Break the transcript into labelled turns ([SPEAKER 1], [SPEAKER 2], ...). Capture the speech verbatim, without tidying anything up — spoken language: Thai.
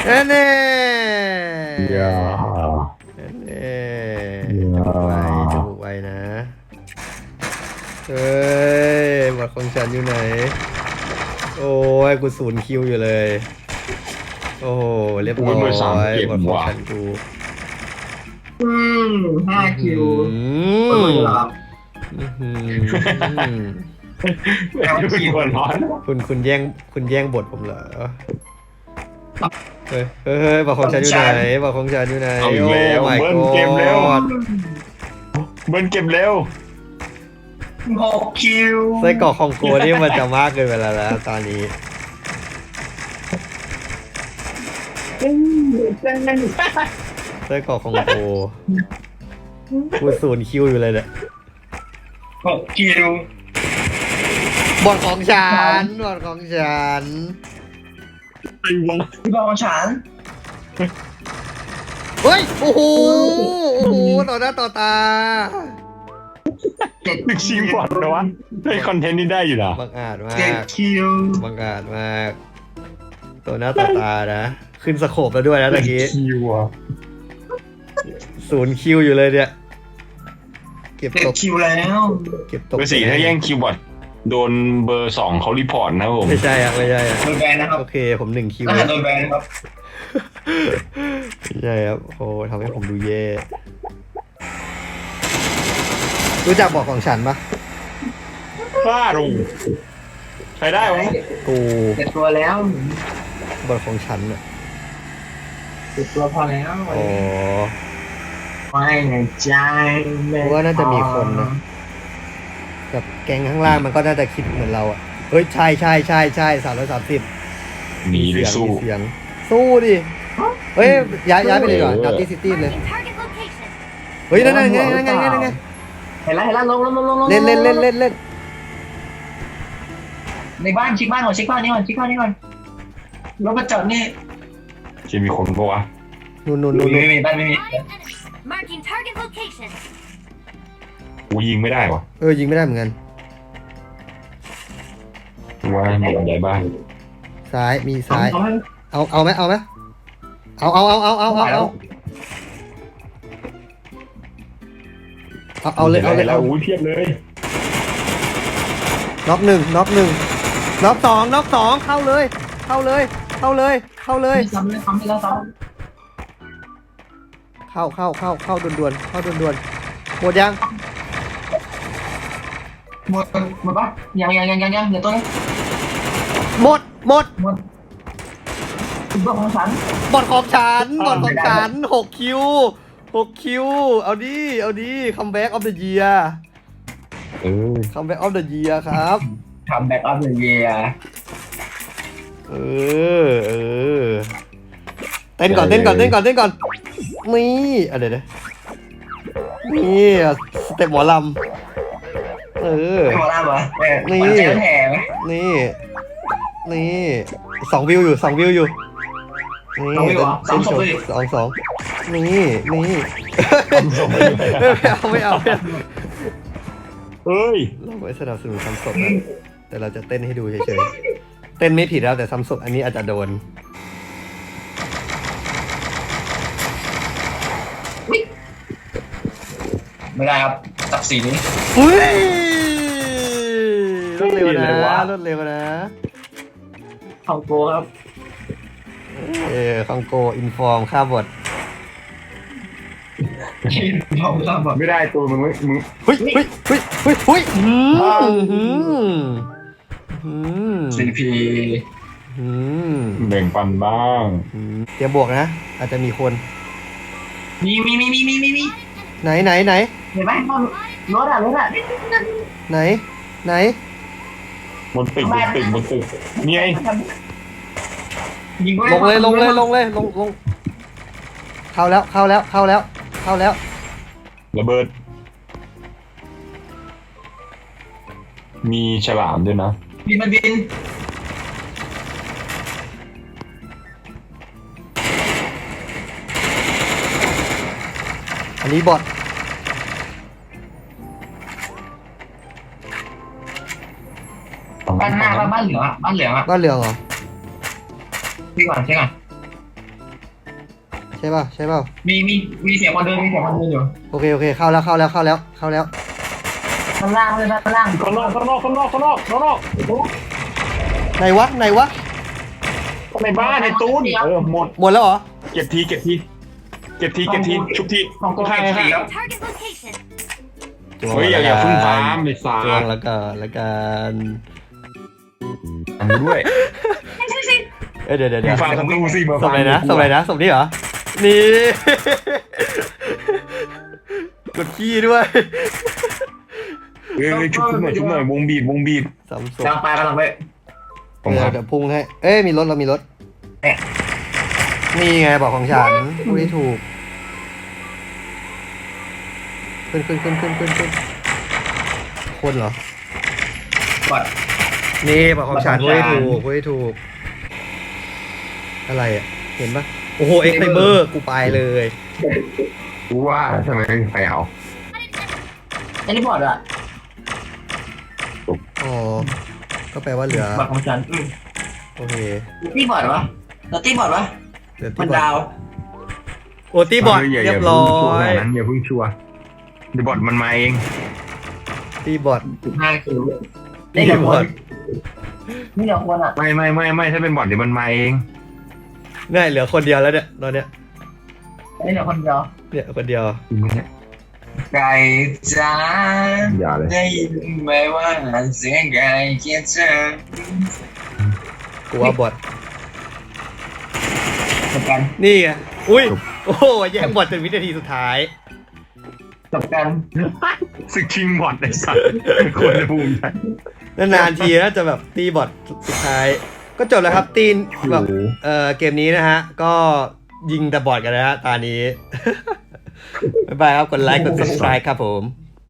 [SPEAKER 1] แน่แน่
[SPEAKER 2] อย่า
[SPEAKER 1] แน่จมูกไว้จมูกไว้นะเฮ้ยบอดของฉันอยู่ไหนโอ้ยกูศูนย์คิวอยู่เลยโอ้โหเรียบร้อยบอดของฉันกู
[SPEAKER 3] อืมห้าคิว
[SPEAKER 1] อื
[SPEAKER 3] เปิด
[SPEAKER 1] ม
[SPEAKER 3] เลยครับ
[SPEAKER 1] อื้อหือ
[SPEAKER 3] แต่ว่าคิว
[SPEAKER 2] หัวร้อน
[SPEAKER 1] คุณคุณแย่งคุณแย่งบทผมเหรอเฮ้ยเฮ้ยเฮ้ยบอกของฉันอยู่ไหนบอกของฉันอยู่ไหน
[SPEAKER 2] เอาอีกแล้ว
[SPEAKER 1] โอ้ my
[SPEAKER 2] เบิ้ลเกมเร็ว
[SPEAKER 1] god
[SPEAKER 2] เบิ้ลเกมเร็ว
[SPEAKER 3] หกคิว
[SPEAKER 1] ไส้กรอกของโกนี่มันจะมากเกินไปแล้วนะตอนนี้ไส้กรอกของโกกูศูนย์คิวอยู่เลยเนี่ย
[SPEAKER 3] หกคิว
[SPEAKER 1] บทของฉันบทของฉัน
[SPEAKER 3] พี่บอลของฉัน
[SPEAKER 1] เฮ้ยโอ้โหโอ้โหต่อหน้าต่อตา
[SPEAKER 3] เจ็ด
[SPEAKER 2] นึกชิงบอลนะวะได้คอนเทนต์นี้ได้อยู่นะ
[SPEAKER 1] บังอาจมา
[SPEAKER 3] เจ็ด
[SPEAKER 1] ก
[SPEAKER 3] คิว
[SPEAKER 1] บังอาจมากตัวหน้าต่อตานะขึ้นสโคปแล้วด้วยนะตะกี้
[SPEAKER 2] คิวอ่ะ
[SPEAKER 1] ศูนย์คิวอยู่เลยเนี่ยเก็บ
[SPEAKER 3] เจ็ด
[SPEAKER 1] ตก
[SPEAKER 3] คิวแล้ว
[SPEAKER 1] เก็บตก
[SPEAKER 2] เบอร์สี่ถ้าแย่งคิวบอทโดนเบอร์สองเขารีพอร์ตนะผม
[SPEAKER 1] ไม่ใช่อะไม่ใช่อะ
[SPEAKER 3] โดนแบนนะครับ
[SPEAKER 1] โอเคผมหนึ่งคิว
[SPEAKER 3] อาหารโดนแบนนะครับ
[SPEAKER 1] ไม่ใช่ครับโอ้ทำให้ผมดูแย่รู้จักบอกของฉันปะ
[SPEAKER 2] ฟาดงใครได้วะ
[SPEAKER 1] กู
[SPEAKER 3] เจ็ดตัวแล้ว
[SPEAKER 1] บอกของฉันอะ
[SPEAKER 3] เจ็ดตัวพอแล้ว
[SPEAKER 1] โอ้
[SPEAKER 3] ไม่ในใจไม่
[SPEAKER 1] ว่าน่าจะมีคนนะกับแกงข้างล่างมันก็น่าจะคิดเหมือนเราอะเฮ้ยใช่ใช่ใช่ใช่สามร้อยสามสิบ
[SPEAKER 2] หนีหรือสู้
[SPEAKER 1] เสียงสู้ดิเฮ้ยย้ายย้ายไปเลยดีกว่า
[SPEAKER 2] เออ
[SPEAKER 1] ดับตี้ซิตี้เลย
[SPEAKER 4] Marking target location.
[SPEAKER 1] เฮ้ยนั่นไงนั่นไงนั่นไงนั่นไง
[SPEAKER 3] เห็นแล้วเห็นแล้วลงลงลงลง
[SPEAKER 1] เล่นเล่นเล่นเล่นเล่น
[SPEAKER 3] ในบ้านชิคบ้านก่อนชิคบ้านนี้ก่อนชิคบ้านนี้ก่อนรถมาจอดนี่
[SPEAKER 2] จะมีคนปะวะ
[SPEAKER 1] นู่นนู่น
[SPEAKER 3] ไม่
[SPEAKER 1] นู่น
[SPEAKER 3] มีไม่มีบ้านไม่มี
[SPEAKER 4] Five enemies. Marking target location.
[SPEAKER 2] กูยิงไม่ได้วะ
[SPEAKER 1] เออยิงไม่ได้เหมือนกัน
[SPEAKER 2] ว่ามีอะไรบ้าง
[SPEAKER 1] ซ้ายมีซ้าย
[SPEAKER 3] เอาให้
[SPEAKER 1] เอาเอาไหมเอาไหมเอาเอาเอาเอาเอาเอาเอาเอาเอาเลยเอาเลย
[SPEAKER 2] แล้
[SPEAKER 1] เอา
[SPEAKER 2] วอุ้ยเพียบเลย
[SPEAKER 1] น็อกหนึ่งน็อกหนึ่งน็อกสองน็อกสองเข้าเลย เข้าเลย เข้าเลย เข้าเลย
[SPEAKER 3] ไม่ซ้ำไม่ซ้ำไม่แล้วซ้
[SPEAKER 1] เข้าเข้าเข้าเข้าด่วนๆเข้าด่วนๆหมดยัง
[SPEAKER 3] ำหมดหมดปะยังยังยังยังยังเดี๋ยวตัวนี้
[SPEAKER 1] หมดหมด
[SPEAKER 3] หมดถึงตัวของฉัน
[SPEAKER 1] บอดของฉันบอดของ
[SPEAKER 3] ไม่ได้
[SPEAKER 1] ฉันหกคิวหกคิวเอาดิเอาดิคัมแบ็กออฟเดอะเยียร์
[SPEAKER 2] เออ
[SPEAKER 1] คัมแบ็กออฟเดอะเยียร์ครับ
[SPEAKER 3] ทำแบ็กอัพเลยเยีย
[SPEAKER 1] เออเออเต้นก่อนเต้นก่อนเต้นก่อนเต้นก่อนนี่อะเดี๋ยวเดี๋ยวนี่สเต็ปหมอลำเออ
[SPEAKER 3] ไม่มาล่าเหรอเออ
[SPEAKER 1] นี่
[SPEAKER 3] มันเจอแห่ไหม
[SPEAKER 1] นี่นี่สองวิวอยู่สองวิวอยู่นี่
[SPEAKER 3] สองวิวเหรอ
[SPEAKER 1] เต้น
[SPEAKER 3] สองศพ
[SPEAKER 1] โชว์
[SPEAKER 3] เลย
[SPEAKER 1] สองสองนี่นี่ไม่เอาไม่เอาไม่เอา
[SPEAKER 2] เอ้ย
[SPEAKER 1] เราไม่สนับสนุนซ้ำศพนะแต่เราจะเต้นให้ดูเฉยๆเต้นไม่ผิดแล้วแต่ซ้ำศพอันนี้อาจจะโดน
[SPEAKER 3] ไม่ได้ครับจับสีนี้
[SPEAKER 1] อุ้ยรวดเร็วนะรวดเร็วนะ
[SPEAKER 3] เข้าโกครับ
[SPEAKER 1] เออคองโกอินฟอร์มค่าบท
[SPEAKER 3] คิดเข้าข้ามบอ
[SPEAKER 2] ไม่ได้ตัวมึงไม่มึง
[SPEAKER 1] เฮ้ยเฮ้ยเฮ้ยเฮ้ยเฮ้ยอืมอืมอืม
[SPEAKER 3] ซีพี
[SPEAKER 1] อืม
[SPEAKER 2] แบ่งปันบ้าง
[SPEAKER 1] อืมเตรียมบวกนะ อาจจะมีคน
[SPEAKER 3] มีมีมีมีมีมีมี
[SPEAKER 1] ไหนไหนไหน
[SPEAKER 3] เห็นไหมรถอะรถอะ
[SPEAKER 1] ไหนไหน
[SPEAKER 2] บนตึกบนตึกบนตึกนี่ไง
[SPEAKER 3] ยิง
[SPEAKER 1] ลงเลยลงเลยลงเลยลงลงเข้าแล้วเข้าแล้วเข้าแล้วเข้าแล้ว
[SPEAKER 2] ระเบิด มีฉลามด้วยนะ
[SPEAKER 3] บินมันบิน
[SPEAKER 1] อันนี้บอท
[SPEAKER 3] บ้านหน้าบ้านบ้านเหลืองอะบ้านเหลืองอะ
[SPEAKER 1] บ้านเหลืองเหรอ
[SPEAKER 3] พี่ก่อนใช่ก่อน
[SPEAKER 1] ช่ป่ะใช่ป่ะ
[SPEAKER 3] มีมีมีเสียงคนเดินมีเสียงคนเดินอยู่
[SPEAKER 1] โอเคโอเคเข้าแล้วเข้าแล้วเข้าแล้วเข้าแล้ว
[SPEAKER 3] ข้างล่างเลยนะข้างล่าง
[SPEAKER 2] ข้างนอกข้างนอกข้างนอกข้างนอกข้างนอก
[SPEAKER 1] ไหนวะไหนวะ
[SPEAKER 2] ในบ้านในตู้นเออหมด
[SPEAKER 1] หมดแล้วเหรอ
[SPEAKER 2] เก็บทีเก็บทีเก็บทีเก็บทีชุบที
[SPEAKER 3] ของกู
[SPEAKER 2] ข้าง
[SPEAKER 3] เก็บ
[SPEAKER 2] ข้าง
[SPEAKER 3] สีแล้ว
[SPEAKER 4] Target location.
[SPEAKER 1] จวง
[SPEAKER 2] เฮ้ยอย่าอย่าเพึ่งฟาร์มไอ้สา
[SPEAKER 1] จวงแล้วกันแล้วกัน
[SPEAKER 2] อันด้วย
[SPEAKER 1] เอ้ยเดี๋ยวเดี๋ยวเดี๋ยว
[SPEAKER 2] ฟาร์มศัตรูสิมา
[SPEAKER 1] ส
[SPEAKER 2] ฟา
[SPEAKER 1] บ
[SPEAKER 2] ร์ม
[SPEAKER 1] เลยนะสบเลยนะสบนี่เหรอนี่ กดขี้ด้วย
[SPEAKER 2] เอ้ยชุบหน่อยชุบหน่อยวงบีบวงบีบ
[SPEAKER 1] สามศ
[SPEAKER 3] กำลัง
[SPEAKER 1] พ
[SPEAKER 3] ไปกำลังไป
[SPEAKER 1] เดี๋ยวเดี๋ยวพุ่งให้เอ้ยมีรถเรามีรถนี่ไงบอกของฉันพูดให้ถูกขึ้นขึ้นขึ้นขึ้นขึ้นขึ้นคนเหรอ
[SPEAKER 3] บอด
[SPEAKER 1] นี่บอกของฉัน
[SPEAKER 3] บอก
[SPEAKER 1] พูด
[SPEAKER 3] ของ
[SPEAKER 1] ให้
[SPEAKER 3] ฉัน
[SPEAKER 1] ถูกพูดให้ถูกอะไรอ่ะเห็นปะโอ้โหเอ็กไฟเบอร์กูไปเลย
[SPEAKER 2] รู้ว่าทำไมไม่มีใครเอา
[SPEAKER 3] อันนี้บอดอะ
[SPEAKER 1] อ๋อก็แปลว่าเหลือบ
[SPEAKER 3] อดของฉันอืม
[SPEAKER 1] โอเค
[SPEAKER 3] ตีบอดวะเราตีบอดวะ
[SPEAKER 1] เหลือ
[SPEAKER 3] มั
[SPEAKER 1] ที่
[SPEAKER 3] น
[SPEAKER 1] บอ
[SPEAKER 3] ดา
[SPEAKER 1] ด
[SPEAKER 3] ว
[SPEAKER 1] โอ้ตีบอด
[SPEAKER 2] ย่า
[SPEAKER 1] เรียบ
[SPEAKER 2] อา
[SPEAKER 1] ร้อ
[SPEAKER 2] เพิ่งชัวร์
[SPEAKER 1] ย
[SPEAKER 2] ขนาดนั้นอย่าเพิ่งชัวร์เดี๋ยวบอทมันมาเอง
[SPEAKER 1] ตีบอด
[SPEAKER 3] สิบห้าคิว
[SPEAKER 1] ตี
[SPEAKER 3] นี่เหลือบ ค
[SPEAKER 1] อน ด
[SPEAKER 3] นี่เหลือคนอ่ะ
[SPEAKER 2] ไม่ไม่ไม่ไม่ถ้าเป็นบอทเดี๋ยวมันมาเอง
[SPEAKER 1] ง่ายเหลือคนเดียวแล้วเนี่ยตอนเนี้ย
[SPEAKER 3] นี่เหลือคนเดียว
[SPEAKER 1] เนี่ยคนเดียว
[SPEAKER 2] จริงไหมเนี่ย
[SPEAKER 3] ไก่จ้า
[SPEAKER 2] อย่าเลย
[SPEAKER 3] ได้ยินไหมว่าเสียงไก่เคียเธอ
[SPEAKER 1] กูว่าบอด
[SPEAKER 3] จบกัน
[SPEAKER 1] นี่ไงอุ้ยโอ้โหแย่งบอดจนวินาทีสุดท้าย
[SPEAKER 3] จบกัน
[SPEAKER 2] สึกชิงบอทไอ้สัตว์คนจะภูมิใจ
[SPEAKER 1] นานๆทีนะจะแบบตีบอทสุดท้าย ก็จบแล้วครับตีนแบบเอ่อเกมนี้นะฮะ ก็ยิงแต่บอทกันนะฮะตานี้ บ๊ายบายครับกดไลค์กด subscribe ครับผม